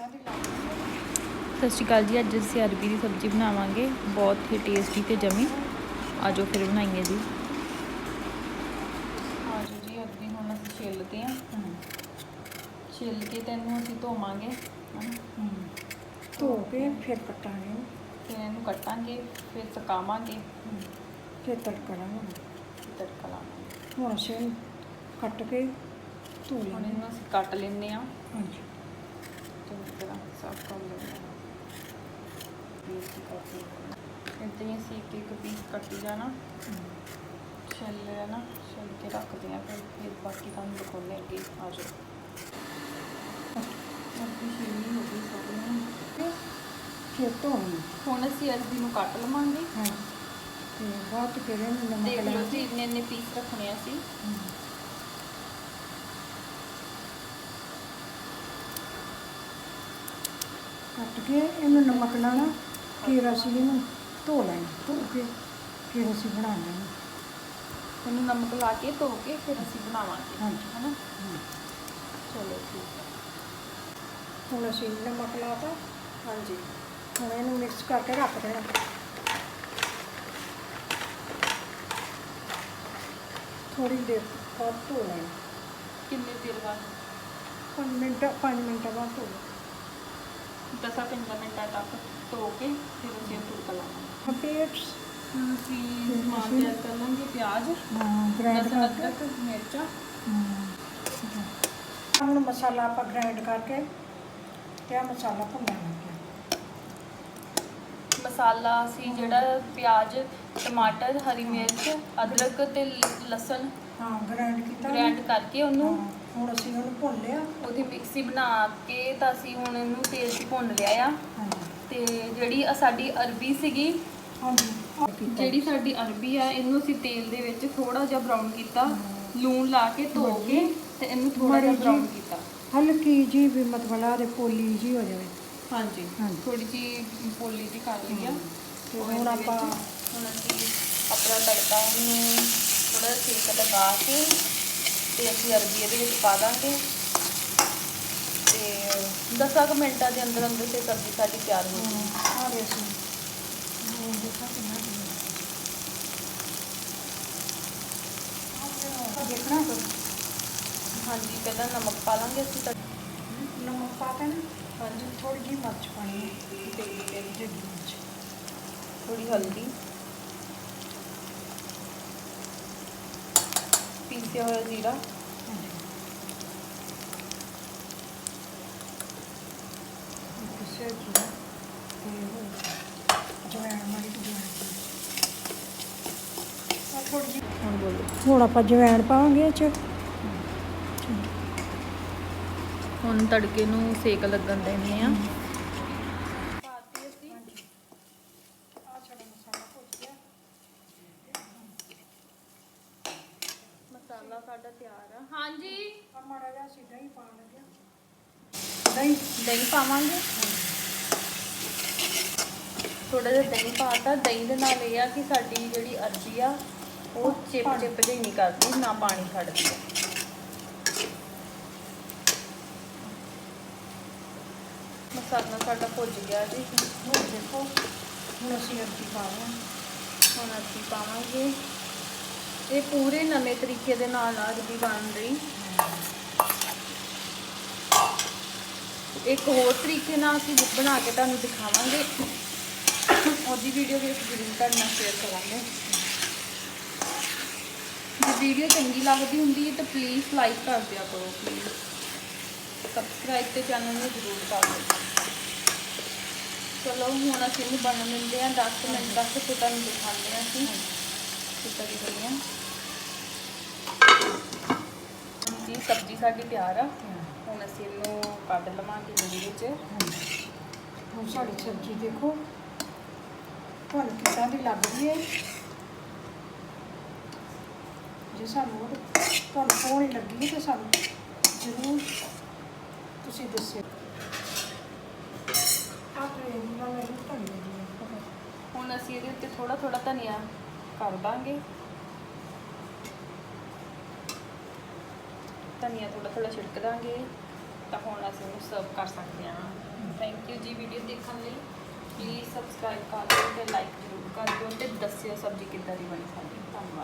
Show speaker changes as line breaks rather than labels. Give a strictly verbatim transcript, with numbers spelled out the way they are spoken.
ਸਤਿ ਸ਼੍ਰੀ ਅਕਾਲ ਜੀ। ਅੱਜ ਅਸੀਂ ਅਰਬੀ ਦੀ ਸਬਜ਼ੀ ਬਣਾਵਾਂਗੇ, ਬਹੁਤ ਹੀ ਟੇਸਟੀ ਤੇ ਜਮੀ। ਆਜੋ ਫਿਰ ਬਣਾਈਏ ਜੀ। ਆਜੋ ਜੀ, ਅਰਬੀ ਹੁਣ ਅਸੀਂ ਛਿੱਲਦੇ ਹਾਂ। ਛਿੱਲ ਕੇ ਤੈਨੂੰ ਅਸੀਂ ਧੋਵਾਂਗੇ,
ਧੋ ਕੇ ਫਿਰ ਕੱਟਾਂਗੇ,
ਫਿਰ ਇਹਨੂੰ ਕੱਟਾਂਗੇ, ਫਿਰ ਸੁਕਾਵਾਂਗੇ,
ਫਿਰ ਤੜਕਾ ਲਾਵਾਂਗੇ।
ਤੜਕਾ ਲਾਵਾਂਗੇ।
ਹੁਣ ਅਸੀਂ ਇਹਨੂੰ ਕੱਟ ਕੇ ਧੋ
ਹੁਣ
ਲੈਂਦੇ
ਇਹਨੂੰ ਅਸੀਂ ਕੱਟ ਲੈਂਦੇ ਹਾਂ,
ਹਾਂਜੀ।
ਚੰਗੀ ਤਰ੍ਹਾਂ ਸਾਫ਼ ਕਰ ਲੈਂਦੇ ਹਾਂ। ਇੱਦਾਂ ਹੀ ਅਸੀਂ ਇੱਕ ਇੱਕ ਪੀਸ ਕੱਟੀ ਜਾਣਾ, ਛਿੱਲ ਲੈਣਾ, ਛਿੱਲ ਕੇ ਰੱਖਦੇ ਹਾਂ। ਫਿਰ ਫਿਰ ਬਾਕੀ ਤੁਹਾਨੂੰ ਦਿਖਾਉਂਦੇ ਅੱਗੇ। ਆ ਜਾਓ। ਅਰਬੀ ਛਿੱਲੀ ਹੋ ਗਈ ਸਾਰੀ,
ਫਿਰ ਧੋਣੀ।
ਹੁਣ ਅਸੀਂ ਅਰਬੀ ਨੂੰ ਕੱਟ ਲਵਾਂਗੇ।
ਹਾਂਜੀ, ਤੇ ਬਾਅਦ 'ਚ ਫਿਰ ਇਹਨੂੰ ਨਮਕ
ਦੇਖ
ਲਾ
ਲਓ
ਕੇ
ਜੀ, ਇੰਨੇ ਇੰਨੇ ਪੀਸ ਰੱਖਣੇ ਅਸੀਂ।
ਕੱਟ ਕੇ ਇਹਨੂੰ ਨਮਕ ਲਾਣਾ, ਫਿਰ ਅਸੀਂ ਇਹਨੂੰ ਧੋ ਲੈਣਾ, ਧੋ ਕੇ ਫਿਰ ਅਸੀਂ ਬਣਾਉਣਾ ਇਹਨੂੰ।
ਇਹਨੂੰ ਨਮਕ ਲਾ ਕੇ ਧੋ ਕੇ ਫਿਰ ਅਸੀਂ ਬਣਾਵਾਂਗੇ,
ਹਾਂਜੀ
ਹੈ ਨਾ। ਚਲੋ ਠੀਕ ਹੈ।
ਹੁਣ ਅਸੀਂ ਨਮਕ ਲਾ ਤਾ।
ਹਾਂਜੀ,
ਹੁਣ ਇਹਨੂੰ ਮਿਕਸ ਕਰਕੇ ਰੱਖ ਦੇਣਾ। ਥੋੜ੍ਹੀ ਦੇਰ ਬਾਅਦ ਧੋ ਲੈਣਾ।
ਕਿੰਨੇ ਦੇਰ ਬਾਅਦ?
ਪੰਜ ਮਿੰਟ ਪੰਜ ਮਿੰਟਾਂ ਬਾਅਦ ਧੋ ਲੈਣਾ।
ਦਸਾਂ ਪੰਦਰਾਂ ਮਿੰਟਾਂ ਤੱਕ ਧੋ ਕੇ ਫਿਰ ਅਸੀਂ ਤੜਕਾ ਲਾਵਾਂਗੇ।
ਪੇਟ
ਹੁਣ ਅਸੀਂ ਸਮਾਨ ਤਿਆਰ ਕਰ ਲਾਂਗੇ। ਪਿਆਜ਼,
ਗ੍ਰਾਈਂਡ
ਲਸਣ,
ਕਰਕੇ
ਅਦਰਕ, ਮਿਰਚਾਂ।
ਹੁਣ ਮਸਾਲਾ ਆਪਾਂ ਗ੍ਰਾਈਂਡ ਕਰਕੇ ਤੇ ਆਹ ਮਸਾਲਾ ਭੁੰਨਣ ਲੱਗੇ।
ਮਸਾਲਾ ਅਸੀਂ ਜਿਹੜਾ ਪਿਆਜ਼, ਟਮਾਟਰ, ਹਰੀ ਮਿਰਚ, ਅਦਰਕ ਤੇ ਲਸਣ
ਹਾਂ ਗ੍ਰਾਈਂਡ ਕੀਤਾ,
ਗ੍ਰਾਈਂਡ ਕਰਕੇ ਉਹਨੂੰ
ਹੁਣ ਅਸੀਂ ਉਹਨੂੰ ਭੁੰਨ ਲਿਆ।
ਉਹਦੀ ਮਿਕਸੀ ਬਣਾ ਕੇ ਤਾਂ ਅਸੀਂ ਹੁਣ ਇਹਨੂੰ ਤੇਲ 'ਚ ਭੁੰਨ ਲਿਆ ਆ। ਤੇ ਜਿਹੜੀ ਸਾਡੀ ਅਰਬੀ ਸੀਗੀ, ਜਿਹੜੀ ਸਾਡੀ ਅਰਬੀ ਆ, ਇਹਨੂੰ ਅਸੀਂ ਤੇਲ ਦੇ ਵਿੱਚ ਥੋੜਾ ਜਿਹਾ ਬਰਾਊਨ ਕੀਤਾ, ਲੂਣ ਲਾ ਕੇ ਧੋ ਕੇ ਤੇ ਇਹਨੂੰ ਥੋੜਾ ਜਿਹਾ ਬਰਾਊਨ ਕੀਤਾ।
ਹਲਕੀ ਜੀ ਵੀ ਮਤਲਬ ਲਾ ਦੇ ਪੋਲੀ ਜੀ ਹੋ ਜਾਵੇ।
ਹਾਂਜੀ, ਥੋੜੀ ਜੀ ਪੋਲੀ ਜੀ ਕਰ ਲਈ ਆ।
ਤੇ ਹੁਣ ਆਪਾਂ
ਹੁਣ ਅਸੀਂ ਆਪਣਾ ਤੜਕਾ ਨੂੰ ਥੋੜਾ ਸੇਕ ਲਗਾ ਕੇ ਤੇ ਅਸੀਂ ਅਰਬੀ ਇਹਦੇ ਵਿੱਚ ਪਾ ਦਾਂਗੇ। ਤੇ ਦਸਾਂ ਕੁ ਮਿੰਟਾਂ ਦੇ ਅੰਦਰ ਅੰਦਰ ਤੇ ਸਬਜ਼ੀ ਸਾਡੀ ਤਿਆਰ ਹੋ ਜਾਊਗੀ।
ਦੇਖਣਾ
ਹਾਂਜੀ, ਪਹਿਲਾਂ ਨਮਕ ਪਾ ਲਾਂਗੇ ਅਸੀਂ। ਤਾਂ
ਨਮਕ ਪਾ ਕੇ ਨਾ,
ਹਾਂਜੀ,
ਥੋੜੀ ਜਿਹੀ ਮਿਰਚ ਪਾਣੀ ਹੈ, ਤੇਜ਼ ਤੇਜ਼ ਜਿਹੀ ਮਿਰਚ,
ਥੋੜੀ ਹਲਦੀ, ਪੀਸਿਆ ਹੋਇਆ ਜ਼ੀਰਾ,
ਪਿਸਿਆ ਜ਼ੀਰਾ ਤੇ ਜਵੈਣ ਮਾੜੀ ਜਵੈਣ ਥੋੜੀ ਜਿਹੀ।
ਹੁਣ ਬੋਲੋ।
ਹੁਣ ਆਪਾਂ ਜਵੈਣ ਪਾਵਾਂਗੇ ਇਹ 'ਚ।
ਹੁਣ ਤੜਕੇ ਨੂੰ ਸੇਕ ਲੱਗਣ ਦੇਣੇ ਆ। ਮਸਾਲਾ ਸਾਡਾ ਤਿਆਰ ਆ। ਹਾਂਜੀ,
ਮਾੜਾ ਜਿਹਾ ਅਸੀਂ ਦਹੀਂ ਪਾਉਣ ਲੱਗਿਆ। ਦਹੀਂ
ਦਹੀਂ ਪਾਵਾਂਗੇ। ਥੋੜਾ ਜਿਹਾ ਦਹੀਂ ਪਾਤਾ। ਦਹੀਂ ਦੇ ਨਾਲ ਇਹ ਆ ਕਿ ਸਾਡੀ ਜਿਹੜੀ ਅਰਬੀ ਆ ਉਹ ਚਿਪ ਚਿਪ ਜਿਹੀ ਨਹੀਂ ਕਰਦੀ, ਨਾ ਪਾਣੀ ਛੱਡਦੀ ਆ। ਮਸਾਲਾ ਸਾਡਾ ਭੁੱਜ ਗਿਆ ਜੀ।
ਹੁਣ ਦੇਖੋ, ਹੁਣ ਅਸੀਂ ਅਰਬੀ ਪਾ ਰਹੇ ਹਾਂ।
ਹੁਣ ਅਰਬੀ ਪਾਵਾਂਗੇ। ਇਹ ਪੂਰੇ ਨਵੇਂ ਤਰੀਕੇ ਦੇ ਨਾਲ ਅਰਬੀ ਬਣ ਰਹੀ। ਇੱਕ ਹੋਰ ਤਰੀਕੇ ਨਾਲ ਅਸੀਂ ਬਣਾ ਕੇ ਤੁਹਾਨੂੰ ਦਿਖਾਵਾਂਗੇ। ਉਹਦੀ ਵੀਡੀਓ ਵੀ ਅਸੀਂ ਜ਼ਰੂਰ ਤੁਹਾਡੇ ਨਾਲ ਸ਼ੇਅਰ ਕਰਾਂਗੇ। ਜੇ ਵੀਡੀਓ ਚੰਗੀ ਲੱਗਦੀ ਹੁੰਦੀ ਹੈ ਤਾਂ ਪਲੀਜ਼ ਲਾਈਕ ਕਰ ਦਿਆ ਕਰੋ। ਪਲੀਜ਼ ਸਬਸਕ੍ਰਾਈਬ ਤੇ ਚੈਨਲ ਨੂੰ ਜ਼ਰੂਰ ਕਰ ਦਿਓ। ਚਲੋ ਹੁਣ ਅਸੀਂ ਇਹਨੂੰ ਬਣਨ ਦਿੰਦੇ ਹਾਂ ਦਸ ਮਿੰਟ ਤੱਕ, ਫਿਰ ਤੁਹਾਨੂੰ ਦਿਖਾਉਂਦੇ ਹਾਂ ਅਸੀਂ ਕਿੱਦਾਂ ਦੀ ਬਣੀ ਆ। ਜੀ ਸਬਜ਼ੀ ਸਾਡੀ ਤਿਆਰ ਆ। ਹੁਣ ਅਸੀਂ ਇਹਨੂੰ ਕੱਢ ਲਵਾਂਗੇ ਲੂਣ ਵਿੱਚ।
ਹੁਣ ਸਾਡੀ ਸਬਜ਼ੀ ਦੇਖੋ ਤੁਹਾਨੂੰ ਕਿੱਦਾਂ ਦੀ ਲੱਗਦੀ ਹੈ। ਜੇ ਸਾਨੂੰ ਤੁਹਾਨੂੰ ਸੋਹਣੀ ਲੱਗੀ ਤਾਂ ਸਾਨੂੰ ਜ਼ਰੂਰ ਤੁਸੀਂ ਦੱਸਿਓ।
ਹੁਣ ਅਸੀਂ ਇਹਦੇ ਉੱਤੇ ਥੋੜਾ ਥੋੜਾ ਧਨੀਆ ਕਰ ਦਾਂਗੇ। ਧਨੀਆ ਥੋੜਾ ਥੋੜਾ ਛਿੜਕ ਦਾਂਗੇ ਤਾਂ ਹੁਣ ਅਸੀਂ ਇਹਨੂੰ ਸਰਵ ਕਰ ਸਕਦੇ ਹਾਂ। ਥੈਂਕ ਯੂ ਜੀ ਵੀਡੀਓ ਦੇਖਣ ਲਈ। ਪਲੀਜ਼ ਸਬਸਕ੍ਰਾਈਬ ਕਰ ਦਿਓ ਤੇ ਲਾਈਕ ਜ਼ਰੂਰ ਕਰ ਦਿਓ ਤੇ ਦੱਸਿਓ ਸਬਜ਼ੀ ਕਿੱਦਾਂ ਦੀ ਬਣੀ ਸਾਡੀ। ਧੰਨਵਾਦ।